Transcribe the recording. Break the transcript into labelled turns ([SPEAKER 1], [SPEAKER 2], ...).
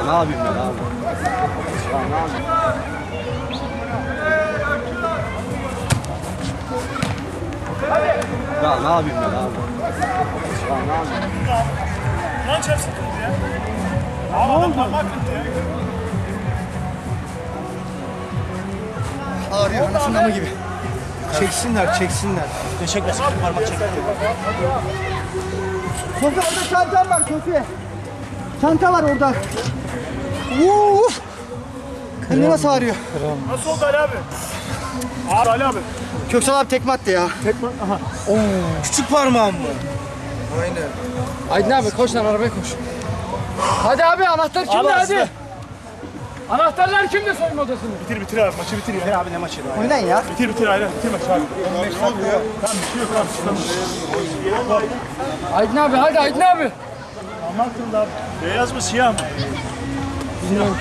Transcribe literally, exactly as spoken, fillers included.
[SPEAKER 1] ne yapayım ben abi? Ya ne yapayım? Ya ne yapayım ben abi? Ya ne yapayım?
[SPEAKER 2] Lan çarpsın ya. Abi adam parmak kırdı ya.
[SPEAKER 3] Ağrıyor anasının amı gibi. Çeksinler, çeksinler.
[SPEAKER 2] Çekmesin, parmak çek.
[SPEAKER 3] Sofi orada çantam var Sofi. Çanta var orada. Uf! Elime nasıl ağrıyor?
[SPEAKER 2] Nasıl oldu Ali abi? Abi Ali abi.
[SPEAKER 3] Köksal abi tekme attı ya.
[SPEAKER 2] Tekme, aha.
[SPEAKER 3] Küçük parmağım mı? Aynen.
[SPEAKER 4] Aydın abi koş lan arabaya koş. Hadi abi anahtar kimde
[SPEAKER 2] Abi,
[SPEAKER 4] hadi.
[SPEAKER 2] aslında.
[SPEAKER 4] Anahtarlar kimde soyunma odasında?
[SPEAKER 2] Bitir bitir abi, maçı bitir ya. Bitir abi ne maçı?
[SPEAKER 3] Oynayın ya.
[SPEAKER 2] Bitir bitir aynen, bitir maçı abi. on beş dakika ya. Tamam bir şey yok abi. Tamam.
[SPEAKER 4] Aydın abi hadi Aydın abi.
[SPEAKER 2] Aman kıldı abi. Beyaz mı siyah mı?
[SPEAKER 4] Bilmiyorum.